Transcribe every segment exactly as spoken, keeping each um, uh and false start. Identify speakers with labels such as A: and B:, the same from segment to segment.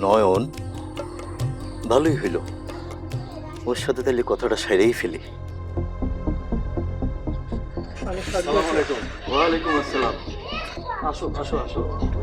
A: নয়ন, ভালোই হইল, ওর সাথে তাহলে কথাটা সেরেই ফেলি। ওয়ালাইকুম আসসালাম। আসো আসো আসো।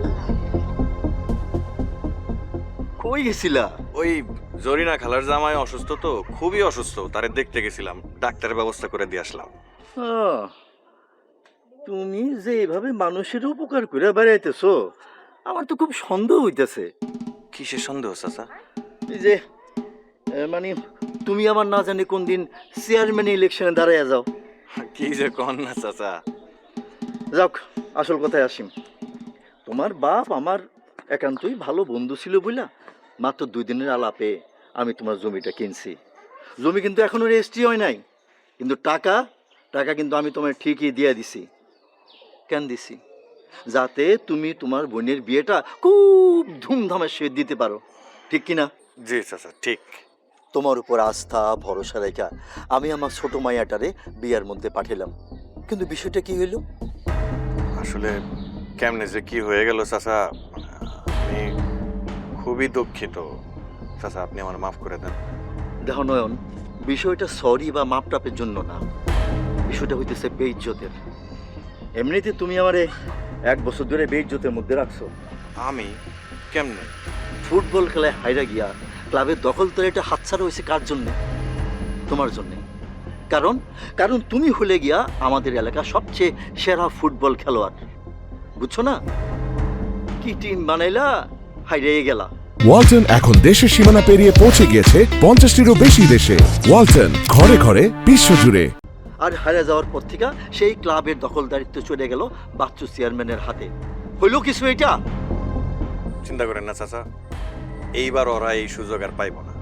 A: কই গেছিলা?
B: ওই জরিনা খালার জামাই অসুস্থ, তো খুবই অসুস্থ, তারে দেখতে গেছিলাম, ডাক্তারের ব্যবস্থা করে দিয়ে আসলাম।
A: আহ, তুমি যে এভাবে মানুষের উপকার করে বেড়াইতেছো, আমার তো খুব সন্দেহ হইতেছে।
B: কিসের সন্দেহ চাচা?
A: এই যে এ, মানে তুমি আমার না জানি কোন দিন চেয়ারম্যান ইলেকশনে দাঁড়াইয়া যাও।
B: কি যে কন না চাচা।
A: যাক, আসল কথায় আসি। তোমার বাপ আমার একান্তই ভালো বন্ধু ছিল বুঝলা, মাত্র দুই দিনের আলাপে আমি তোমার জমিটা কিনছি। জমি কিন্তু এখনো রেজিস্ট্রি হয় নাই, কিন্তু টাকা টাকা কিন্তু আমি তোমার ঠিকই দিয়ে দিছি। কেন দিছি? যাতে তুমি তোমার বোনের বিয়েটা খুব ধুমধামের সহিত দিতে পারো, ঠিক কিনা?
B: জি চাচা, ঠিক।
A: তোমার উপর আস্থা ভরসা রেখা আমি আমার ছোট মাইয়াটারে বিয়ার মধ্যে পাঠালাম, কিন্তু বিষয়টা কি হইল?
B: আসলে কেমনে যে কি হয়ে গেল চাচা, আমি খুবই দুঃখিত চাচা, আপনি আমার মাফ করে দেন।
A: দেখো নয়ন, বিষয়টা সরি বা মাপ টাপের জন্য না, বিষয়টা হইতেছে বেইজ্জতের। এমনিতে তুমি আমারে এক বছর ধরে বেইজ্জতের মধ্যে রাখছো।
B: আমি কেমনে?
A: ফুটবল খেলায় হাইরা গিয়া ক্লাবের দখল তো এটা হাতছাড়া হয়েছে কার জন্যে? তোমার জন্যে। কারণ কারণ তুমি হলে গিয়া আমাদের এলাকার সবচেয়ে সেরা ফুটবল খেলোয়াড়, বুঝছো না? কি টিম বানাইলা, হাইরে গেলা।
C: ওয়ালটন এখন দেশের সীমানা পেরিয়ে পৌঁছে গিয়েছে পঞ্চাশটিরও বেশি দেশে। ওয়ালটন, ঘরে ঘরে বিশ্বজুড়ে।
A: আর হারা যাওয়ার পর থেকে সেই ক্লাবের দখলদারিত্ব চলে গেল বাচ্চু চেয়ারম্যানের হাতে। হইল কিছু এটা?
B: চিন্তা করেন না চাচা, এইবার ওরা এই সুযোগ আর পাইব না।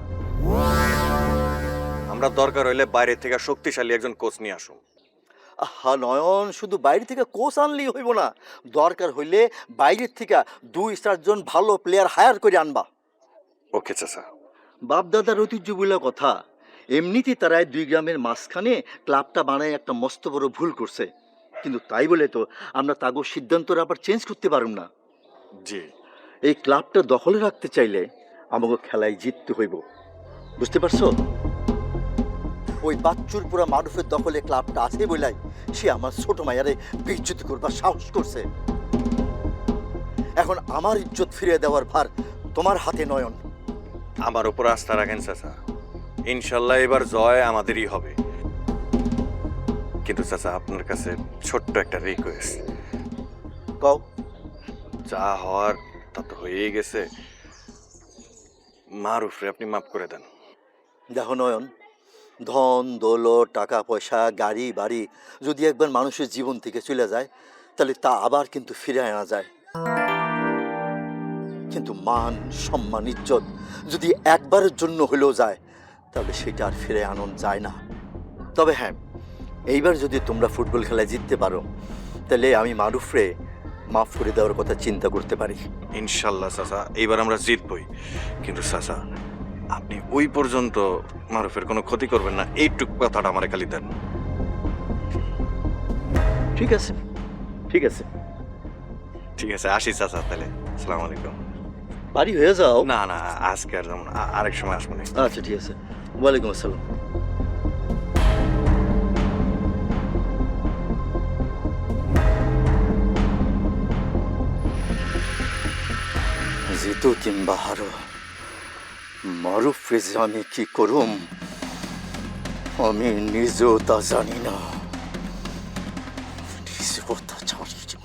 B: আমরা দরকার হইলে বাইরে থেকে শক্তিশালী একজন কোচ নিয়ে আসুন।
A: আহা নয়ন, শুধু বাইরে থেকে কোচ আনলেই হইব না, দরকার হইলে বাইরের থেকে দুই চারজন ভালো প্লেয়ার হায়ার করে আনবা।
B: ওকে চাচা।
A: বাপ দাদার ঐতিহ্য বলে কথা, এমনিতেই তারাই দুই গ্রামের মাঝখানে ক্লাবটা বানায় একটা মস্ত বড় ভুল করছে, কিন্তু তাই বলে তো আমরা তাগো সিদ্ধান্তটা আবার চেঞ্জ করতে পারুম না।
B: জি।
A: এই ক্লাবটা দখলে রাখতে চাইলে আমাকে খেলায় জিততে হইব, বুঝতে পারছো? ওই বাচ্চুর পুরা মারুফের দখলে ক্লাবটা আছে বলাই সে আমার ছোট মায়ারে বিচ্যুত করবার সাহস করছে। এখন আমার ইজ্জত ফিরিয়ে দেওয়ার ভার তোমার হাতে নয়ন।
B: আমার উপর আস্থা রাখেন চাচা, ইনশাল্লাহ এবার জয় আমাদেরই হবে। কিন্তু চাচা, আপনার কাছে ছোট্ট একটা রিকোয়েস্ট।
A: কও।
B: যা হওয়ার তা তো হয়েই গেছে, মারুফরে আপনি মাফ করে দেন।
A: দেখো নয়ন, ধন দৌলত টাকা পয়সা গাড়ি বাড়ি যদি একবার মানুষের জীবন থেকে চলে যায় তাহলে তা আবার কিন্তু ফিরে আনা যায়, কিন্তু মান সম্মান ইজ্জত যদি একবারের জন্য হলেও যায় তাহলে সেটা আর ফিরে আনন যায় না। তবে হ্যাঁ, এইবার যদি তোমরা ফুটবল খেলায় জিততে পারো তাহলে আমি মারুফরে মাফ করে দেওয়ার কথা চিন্তা করতে পারি।
B: ইনশাল্লাহ চাচা, এইবার আমরা জিতবই। কিন্তু চাচা, আপনি ওই পর্যন্ত মারুফের কোনো ক্ষতি করবেন না, এইটুক কথাটা আমার খালি দেন।
A: ঠিক আছে ঠিক আছে
B: ঠিক আছে, আসি চাচা তাহলে। আসসালামু আলাইকুম।
A: বাড়ি হয়ে যাও।
B: না না, আজকে আর যেমন আরেক সময় আসবো না।
A: আচ্ছা ঠিক আছে, ওয়ালাইকুম আসসালাম। জিতু কিংবা হারো, মারুফ রেজে আমি কি করুম আমি নিজেও তা জানি না। নিজেও তা জানি না।